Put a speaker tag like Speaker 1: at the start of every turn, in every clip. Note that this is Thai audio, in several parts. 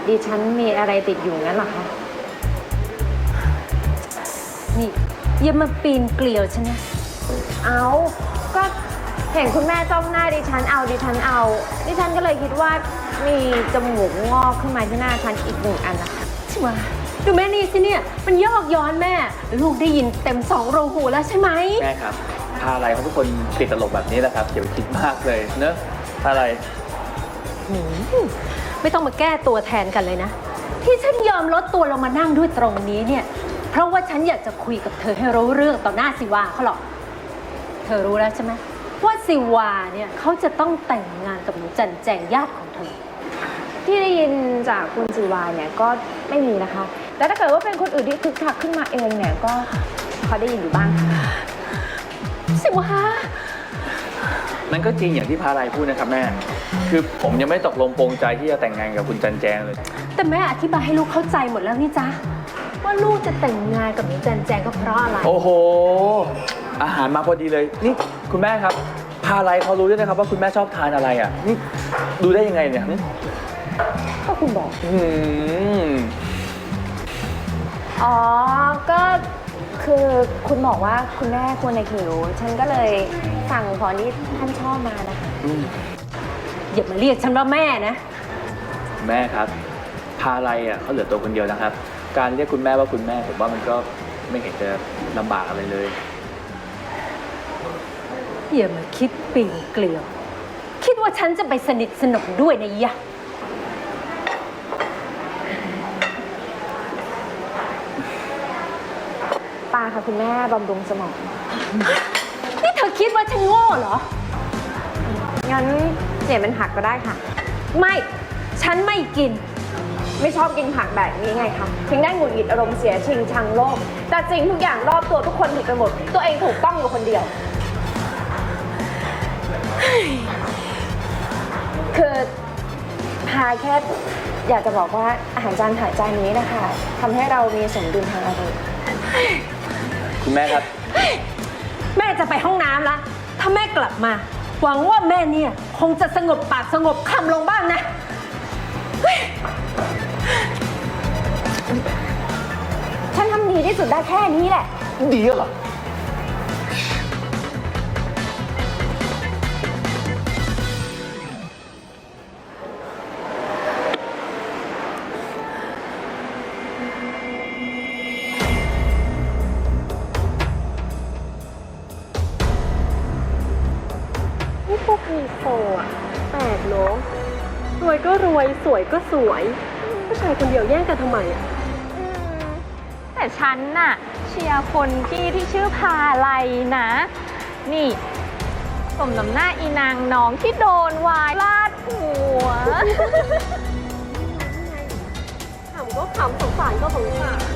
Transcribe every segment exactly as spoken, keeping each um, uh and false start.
Speaker 1: ดิฉันมีอะไรติดอยู่งั้นหรอคะ
Speaker 2: นี่อย่ามาปีนเกลียวฉันนะ
Speaker 1: เอาก็เห็นคุณแม่จ้องหน้าดิฉันเอาดิฉันเอาดิฉันก็เลยคิดว่ามีจมูกงอกขึ้นมาที่หน้าฉันอีกหนึ่งอันนะคะ
Speaker 2: ใช่ไหมดูแม่นี่สิเนี่ยมันยอกย้อนแม่ลูกได้ยินเต็มสองรูหูแล้วใช่ไหม
Speaker 3: แม่ครับพาอะไรเขาทุกคนติดตลกแบบนี้แหละครับอย่าไปคิดมากเลยเนอะพาอะไร
Speaker 2: ไม่ต้องมาแก้ตัวแทนกันเลยนะที่ฉันยอมลดตัวลงมานั่งด้วยตรงนี้เนี่ยเพราะว่าฉันอยากจะคุยกับเธอให้รู้เรื่องต่อหน้าสิวาเขาหรอกเธอรู้แล้วใช่ไหมว่าสิวาเนี่ยเขาจะต้องแต่งงานกับหนูจันแจงญาติของเธอ
Speaker 1: ที่ได้ยินจากคุณสิวาเนี่ยก็ไม่มีนะคะแต่ถ้าเกิดว่าเป็นคนอื่นที่คึกคักขึ้นมาเองเนี่ยก็พอได้ยินอยู่บ้างค่ะ
Speaker 2: สิวา
Speaker 3: มันก็จริงอย่างที่พาอะไรพูดนะครับแม่คือผมยังไม่ตกลงปรงใจที่จะแต่งงานกับคุณจันแจงเลย
Speaker 2: แต่แม่อธิบายให้ลูกเข้าใจหมดแล้วนี่จ๊ะว่าลูกจะแต่งงานกับหนูจันแจงก็เพราะอะไร
Speaker 3: โอ้โหอาหารมาพอดีเลยนี่คุณแม่ครับพาอะไรเขารู้ด้วยนะครับว่าคุณแม่ชอบทานอะไรอ่ะนี่ดูได้ยังไงเนี่ย
Speaker 1: ก็คุณบอก
Speaker 3: อืม
Speaker 1: อ๋อก็คือคุณบอกว่าคุณแม่ควรในหิวฉันก็เลยสั่งของที่ท่านชอบมานะคะ
Speaker 2: อย่ามาเรียกฉันว่าแม่นะ
Speaker 3: แม่ครับพาอะไรอ่ะเขาเหลือตัวคนเดียวนะครับการเรียกคุณแม่ว่าคุณแม่ผมว่ามันก็ไม่เห็นจะลำบากอะไรเลย
Speaker 2: อย่ามาคิดปีนเกลียวคิดว่าฉันจะไปสนิทสนมด้วยนะยะ
Speaker 1: ปาค่ะคุณแม่บำรุงสมอง
Speaker 2: นี่เธอคิดว่าฉันโง่เหรอ
Speaker 1: งั้นเปลี่ยนเป็นผักก็ได้ค่ะ
Speaker 2: ไม่ฉันไม่กิน
Speaker 1: ไม่ชอบกินผักแบบนี้ไงคะถึงได้หงุดหงิดอารมณ์เสียชิงชังโลกแต่จริงทุกอย่างรอบตัวทุกคนผิดไปหมดตัวเองถูกต้องอยู่คนเดียวคือพาแค่อยากจะบอกว่าอาหารจานถ่ายจานนี้นะคะทำให้เรามีสมดุลทางอารมณ์
Speaker 3: คุณแม่ครับ
Speaker 2: แม่จะไปห้องน้ำละถ้าแม่กลับมาหวังว่าแม่เนี่ยคงจะสงบปากสงบคำลงบ้างนะ
Speaker 1: ฉันทำดีที่สุดได้แค่นี้แหละ
Speaker 3: ดีเหรอ
Speaker 4: นี่พวกไฮโซอ่ะแปลกเนาะรวยก็รวยสวยก็สวยผู้ชายคนเดียวแย่งกันทำไมอ่ะ
Speaker 5: แต่ฉันน่ะเชียร์คนที่ที่ชื่อพาไลนะนี่สมน้ำหน้าอีนางน้องที่โดนวายลาดหัว
Speaker 4: ขำก็ขำสงสารก็สงสาร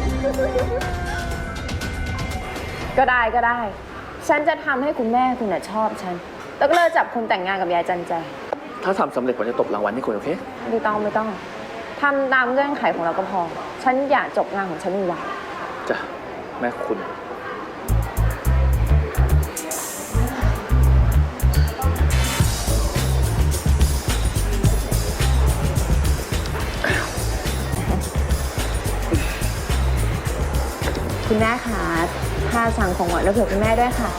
Speaker 1: ก็ได้ก็ได้ฉันจะทำให้คุณแม่คุณน่ะชอบฉันแล้วก็เลิกจับคุณแต่งงานกับยายจันแจง
Speaker 3: ถ้าทำสำเร็จผมจะตบรางวัลให้คุณโอเค
Speaker 1: ไม่ต้องไม่ต้องทำตามเงื่อนไขของเราก็พอฉันอยากจบงานของฉันไว
Speaker 3: จ้ะแม่คุณ
Speaker 1: คุณแม่คะพาสั่งของหวานแล้วเผื่อคุณแม่ด้วยค่ะ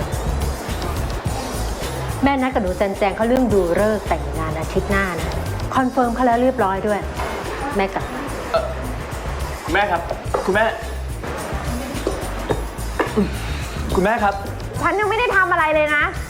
Speaker 2: แม่นัดกับหนูจันแจงเขาเรื่องดูฤกษ์แต่งงานอาทิตย์หน้านะคอนเฟิร์มเขาแล้วเรียบร้อยด้วยแม่กลับ
Speaker 3: คุณแม่ครับคุณแม่คุณแม่ครับ
Speaker 1: ฉันยังไม่ได้ทำอะไรเลยนะ